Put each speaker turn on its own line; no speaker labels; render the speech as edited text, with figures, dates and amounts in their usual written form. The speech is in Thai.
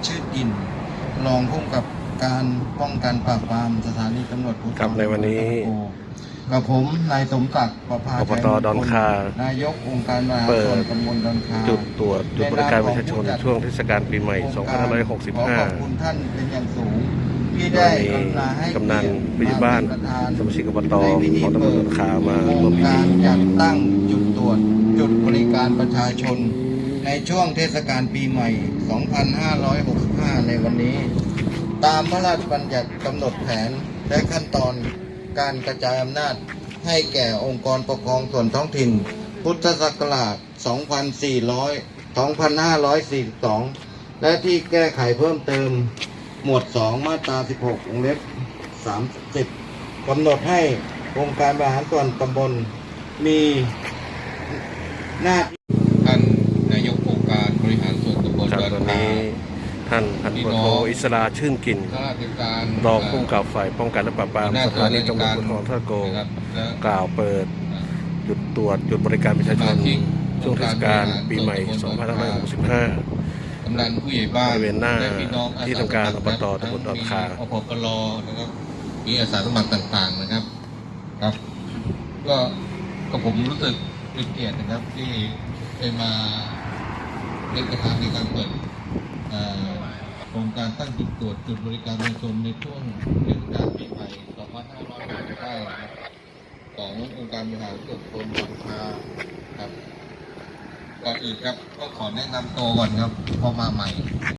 ชื่นกินรองผู้กำกับการป้องกันปราบปรามสถานีตำรวจภูธร
ในวันนี้
กับผมนายสมศักดิ์ประภา
อบตดอนคา
นายกองค์การบริหารส่วนตำบลดอนคา
จุดตรวจจุดบริการประชาชนช่วงเทศกาลปีใหม่
ขอขอบคุณ
2565
ท่านเป็นอย่างสูงที่ได้กรุณาให้
กำนันผู้ใหญ่บ้านสมาชิกอบตของตำบลดอนคามา
โค
ร่
ร
วม
ง
พิธี
การจัดตั้งจุดตรวจจุดบริการประชาชนในช่วงเทศกาลปีใหม่ 2565 ในวันนี้ ตามพระราชบัญญัติกำหนดแผนและขั้นตอนการกระจายอำนาจให้แก่องค์กรปกครองส่วนท้องถิ่น พุทธศักราช 2542 และที่แก้ไขเพิ่มเติม หมวด 2 มาตรา 16 วงเล็บ 30 กำหนดให้องค์การบริหารส่วนตำบลมีหน้าที่
ท่านนายกองค์การบริหารส่วนตำบล
ครับ
ดอน
วัน
คา
นี้ท่านพันตำรวจโทอิสราชื่นกิน
ข้าราชการ
รองผู้กำกับฝ่ายป้องกันและปราบปรามสถานีตำรวจภูธรท่าโก
นะครับและ
กล่าวเปิดจุดตรวจจุดบริการประชาชนช่วงเทศกาลปีใหม่ 2565
กำนันผู้ใหญ่บ้าน
บริเวณหน้า
และพี่น้องอส
ที่ทำการอบต
ทั้
ตำบลดอนคา
มีอปปลนะครับมีอาสาสมัครต่างๆนะครับครับ ก็ผมรู้สึกเป็นเกียรตินะครับที่ได้มาเป็นประธานในการเปิดโครงการตั้งจุดตรวจจุดบริการประชาชนในช่วงเทศกาลปีใหม่ 2565 นะครับขององค์การบริหารส่วนตำบลดอนคาครับก่อนอื่นครับก็ขอแนะนำตัวก่อนครับพอมาใหม่